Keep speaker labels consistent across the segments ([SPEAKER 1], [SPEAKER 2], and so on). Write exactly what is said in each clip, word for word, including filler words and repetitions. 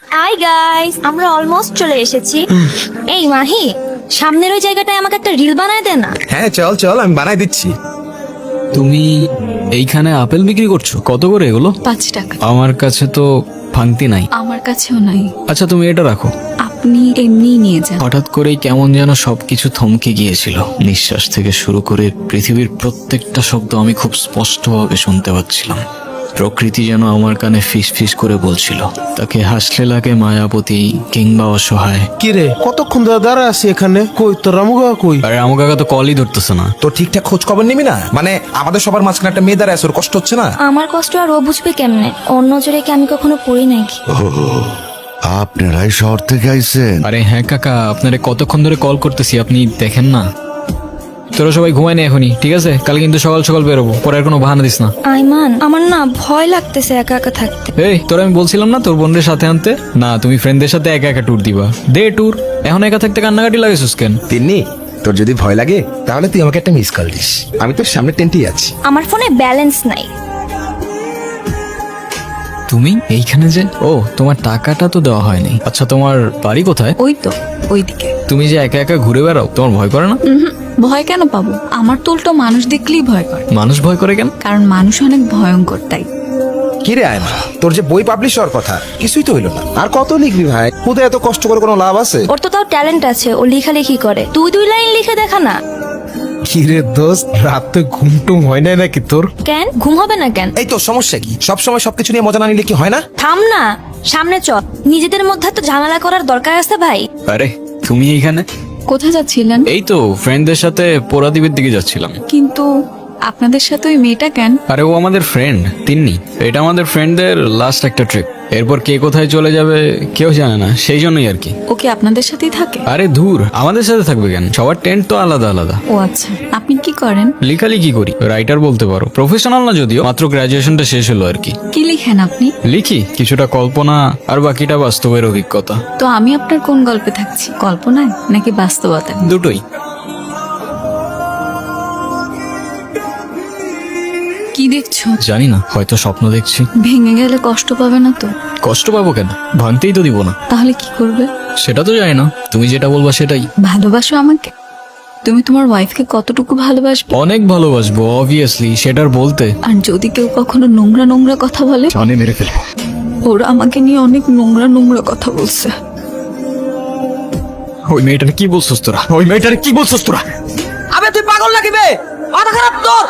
[SPEAKER 1] Hi guys, আমরা almost চলে এসেছি। এই মাহি, সামনের ওই জায়গাটায় আমাকে একটা রিল বানায় দে না।
[SPEAKER 2] হ্যাঁ চল চল, আমি বানাই দিচ্ছি।
[SPEAKER 3] তুমি এইখানে আপেল বিক্রি করছো? কত করে এগুলো?
[SPEAKER 4] পাঁচ টাকা।
[SPEAKER 3] আমার কাছে তো ভাঙতি নাই।
[SPEAKER 4] আমার কাছেও নাই।
[SPEAKER 3] আচ্ছা তুমি এটা রাখো।
[SPEAKER 4] আপনি এমনিই নিয়ে যান।
[SPEAKER 3] হঠাৎ করেই কেমন যেন সবকিছু থমকে গিয়েছিল। নিঃশ্বাস থেকে শুরু করে পৃথিবীর প্রত্যেকটা শব্দ আমি খুব স্পষ্টভাবে শুনতে পাচ্ছিলাম। প্রকৃতি যেন আমার কানে ফিস ফিস করে বলছিল, তাকে হাসলে লাগে মায়াবতী কিংবা অসহায়।
[SPEAKER 5] কি রে, কতক্ষণ ধরে দাঁড়া আছি এখানে? কই তোর রামু কাকা কই?
[SPEAKER 3] আরে আমার কাকা তো কলই ধরতেছে না।
[SPEAKER 2] তো ঠিকঠাক খোঁজ খবর নিবি না? মানে আমাদের সবার মাঝখানে একটা মেয়ে দাঁড়ায় আছে, ওর কষ্ট হচ্ছে না?
[SPEAKER 1] আমার কষ্ট আর ও বুঝবে কেমনে? অন্য জোরে কি আমি কখনো পড়ি নাকি?
[SPEAKER 6] আপনারাই শহর থেকে আইছেন?
[SPEAKER 3] আরে হ্যাঁ কাকা, আপনারে কতক্ষণ ধরে কল করতেছি, আপনি দেখেন না? তোরা সবাই ঘুমায় না এখনই, ঠিক আছে? কাল কিন্তু সকাল সকাল বেরোবো, পরে আর কোনো বাহানা দিস না।
[SPEAKER 1] আইমান, আমার না ভয় লাগতেছে একা একা থাকতে।
[SPEAKER 3] এই তোরা আমি বলছিলাম না তোর বোনদের সাথে আনতে? না, তুমি ফ্রেন্ডদের সাথে একা একা ট্যুর দিবা। দে ট্যুর। এখন একা থাকতে কান্নাকাটি লাগেছিস কেন?
[SPEAKER 2] তিন্নি, তোর যদি ভয় লাগে তাহলে তুই আমাকে একটা মিস কল দিস, আমি তোর সামনে টেন্টেই আছি।
[SPEAKER 1] আমার ফোনে ব্যালেন্স নাই।
[SPEAKER 3] তুমি এইখানে যে? ও, তোমার টাকাটা তো দেওয়া হয়নি। আচ্ছা তোমার বাড়ি কোথায়?
[SPEAKER 4] ওই তো ওইদিকে।
[SPEAKER 3] তুমি যে একা একা ঘুরে বেড়াও, তোমার ভয় করে না?
[SPEAKER 4] উহুম, ভয় কেন পাবো? আমার তো উল্টো মানুষ দেখলেই ভয় করে।
[SPEAKER 3] মানুষ ভয় করে কেন?
[SPEAKER 4] কারণ মানুষ অনেক ভয়ঙ্কর, তাই।
[SPEAKER 2] কি রে আয়মা, তোর যে বই পাবলিশ হওয়ার কথা, কিছুই তো হইলো না। আর কত লিখবি ভাই? খুদে এত কষ্ট করে কোনো লাভ আছে?
[SPEAKER 1] ওর তো তাও ট্যালেন্ট আছে, ও লেখালেখি করে। তুই দুই লাইন লিখে দেখা না।
[SPEAKER 5] কি রে দোস্ত, রাত তো ঘুম টুম হয় নাই নাকি তোর?
[SPEAKER 1] কেন ঘুম হবে না কেন?
[SPEAKER 2] এই তোর সমস্যা কি? সব সময় সবকিছু নিয়ে মজা না নিলে কি হয় না?
[SPEAKER 1] থাম না, সামনে চল। নিজেদের মধ্যে তো ঝামেলা করার দরকার আছে ভাই।
[SPEAKER 3] আরে তুমি এইখানে?
[SPEAKER 4] কোথায় যাচ্ছিলেন?
[SPEAKER 3] এই তো ফ্রেন্ডদের সাথে পোড়াদ্বীপের দিকে যাচ্ছিলাম।
[SPEAKER 4] কিন্তু আপনাদের সাথে ওই মেয়েটা কেন?
[SPEAKER 3] আরে ও আমাদের ফ্রেন্ড তিন্নি। এটা আমাদের ফ্রেন্ডদের লাস্ট একটা ট্রিপ। এরপর কে কোথায় চলে যাবে কেউ জানে না, সেই জন্যই আর কি।
[SPEAKER 4] ও কি আপনাদের সাথেই থাকে?
[SPEAKER 3] আরে ধুর, আমাদের সাথে থাকবে কেন? সবার টেন্ট তো আলাদা আলাদা।
[SPEAKER 4] ও আচ্ছা, আপনি কি করেন?
[SPEAKER 3] লেখালেখি করি, রাইটার বলতে পারো। প্রফেশনাল না যদিও, মাত্র গ্রাজুয়েশনটা শেষ হলো আর কি।
[SPEAKER 4] কি লিখেন আপনি?
[SPEAKER 3] লিখি কিছুটা কল্পনা, আর বাকিটা বাস্তবের অভিজ্ঞতা।
[SPEAKER 4] তো আমি আপনার কোন গল্পে থাকছি, কল্পনায় নাকি বাস্তবতা?
[SPEAKER 3] দুটোই।
[SPEAKER 4] কি দেখছো?
[SPEAKER 3] জানি না, হয়তো স্বপ্ন দেখছি।
[SPEAKER 4] ভেঙে গেলে কষ্ট পাবে না তো?
[SPEAKER 3] কষ্ট পাবো কেন? ভাঙতেই তো দিব না।
[SPEAKER 4] তাহলে কি করবে?
[SPEAKER 3] সেটা তো জানি না, তুমি যেটা বলবা সেটাই।
[SPEAKER 4] ভালোবাসো আমাকে? তুমি তোমার ওয়াইফকে কতটুকু ভালোবাসবে?
[SPEAKER 3] অনেক ভালোবাসবো অবভিয়াসলি, সেটার বলতে।
[SPEAKER 4] আর যদি কেউ কখনো নোংরা নোংরা কথা বলে?
[SPEAKER 3] জানে মেরে ফেলবো।
[SPEAKER 4] ওরা আমাকে নিয়ে অনেক নোংরা নোংরা কথা বলছে।
[SPEAKER 3] ওই মেয়েটার কি বলছস তোরা? ওই মেয়েটার কি বলছস তোরা?
[SPEAKER 2] আবে তুই পাগল নাকি বে? মাথা খারাপ তোর?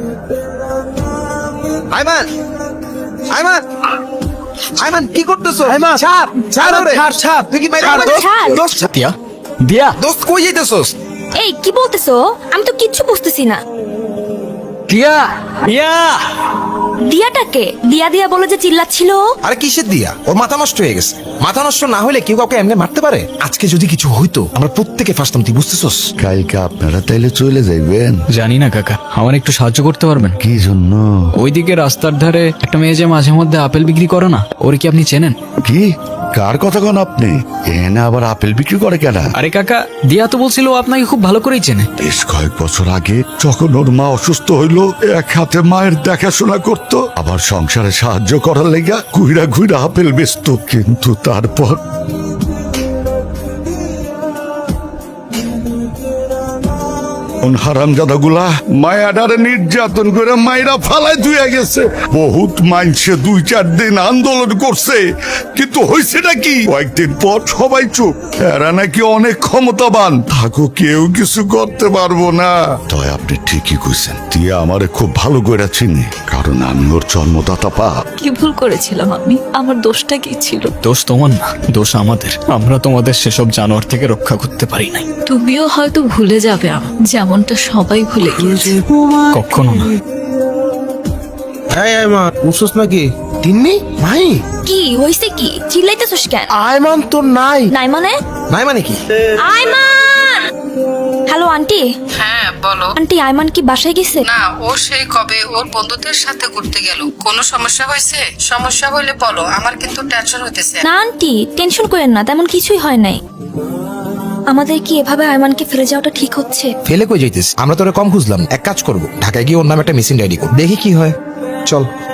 [SPEAKER 2] আয়মান, আয়মান, আয়মান কি করতেছো?
[SPEAKER 5] আয়মান,
[SPEAKER 2] ছাপ, ছাড়
[SPEAKER 5] আয়মান,
[SPEAKER 2] ওরে।
[SPEAKER 5] ছাড়, ছাড়।
[SPEAKER 2] তুই কি বাইরে
[SPEAKER 5] ছাড়,
[SPEAKER 2] দোস্ত?
[SPEAKER 1] ছাড়।
[SPEAKER 2] দোস্ত,
[SPEAKER 3] দিয়া দিয়া
[SPEAKER 2] দোস্ত কই যাইতেছস?
[SPEAKER 1] এই কি বলতেছো? আমি তো কিচ্ছু বুঝতেছি না।
[SPEAKER 3] দিয়া দিয়া
[SPEAKER 1] দিয়াটাকে দিয়া দিয়া বলে যে চিল্লাচ্ছিল।
[SPEAKER 2] আরে কিসের দিয়া? ওর মাথা নষ্ট হয়ে গেছে। মাথা নষ্ট না হলে কেউ কাউকে এমনি মারতে পারে? আজকে যদি কিছু হইতো আমরা প্রত্যেকে ফাঁসতাম, তুই বুঝতেছস?
[SPEAKER 6] কালকে আপনারা তাইলে চলে যাইবেন?
[SPEAKER 3] জানি না কাকা, আমার একটু সাহায্য করতে পারবেন?
[SPEAKER 6] কি জন্য?
[SPEAKER 3] ওইদিকে রাস্তার ধারে একটা মেয়ে যে মাঝে মধ্যে আপেল বিক্রি করে না, ওর কি আপনি চেনেন?
[SPEAKER 6] কি কার কথা কন আপনি? এনে আবার আপেল বিক্রি করে কেনা?
[SPEAKER 3] আরে কাকা, দিয়া তো বলছিল ও আপনাকে খুব ভালো করেই চেনে।
[SPEAKER 6] বেশ কয়েক বছর আগে যখন ওর মা অসুস্থ হইলো, এক হাতে মায়ের দেখাশোনা করত, আবার সংসারে সাহায্য করার লেগা ঘুইরা ঘুইরা আপেল বেচত। কিন্তু তারপর হারামজাদা গুলা মায়াডারে নির্যাতন করে মায়েরা ফালাই ধুয়ে গেছে। বহুত মাইনসে দুই চার দিন আন্দোলন করছে, কিন্তু হয়েছেটা কি? কয়েকদিন পর সবাই চুপ। এরা নাকি অনেক ক্ষমতাবান, থাকো কেউ কিছু করতে পারবো না। তাই আপনি ঠিকই কইছেন, তুই আমারে খুব ভালো করে চিনি, কারণ আমি ওর জন্মদাতা পাপ।
[SPEAKER 4] কি ভুল করেছিলাম আমি? আমার দোষটা কি ছিল?
[SPEAKER 3] দোষ তোমার না, দোষ আমাদের। আমরা তোমাদের সেসব জানোয়ার থেকে রক্ষা করতে পারি নাই।
[SPEAKER 4] তুমিও হয়তো ভুলে যাবে আমার, যেমনটা সবাই ভুলে গিয়েছে।
[SPEAKER 3] কখনো না।
[SPEAKER 5] এই আয়মান, উঠছস নাকি? তিন্নি ভাই,
[SPEAKER 1] কি হইছে? কি চিল্লাইতেছস কেন?
[SPEAKER 5] আয়মান তোর নাই।
[SPEAKER 1] নাই মানে?
[SPEAKER 2] নাই মানে কি?
[SPEAKER 1] আইমান! Hello aunty.
[SPEAKER 7] হ্যাঁ বলো।
[SPEAKER 1] আন্টি, আইমান কি বাসায় গেছে?
[SPEAKER 7] না, ও সেই কবে ওর বন্ধুদের সাথে ঘুরতে গেল। কোনো সমস্যা হয়েছে? সমস্যা হইলে বলো, আমার কিন্তু টেনশন হইতেছে।
[SPEAKER 1] না আন্টি, টেনশন করেন না, তেমন কিছুই হয় নাই। আমাদের কি এভাবে আইমানকে ফেলে যাওয়াটা ঠিক হচ্ছে?
[SPEAKER 2] ফেলে কই যাইতিস? আমরা তোরে কম খুঁজলাম। এক কাজ করবো, ঢাকায় গিয়ে ওর নামে একটা মিসিং ডায়েরি কর, দেখি কি হয়। চল।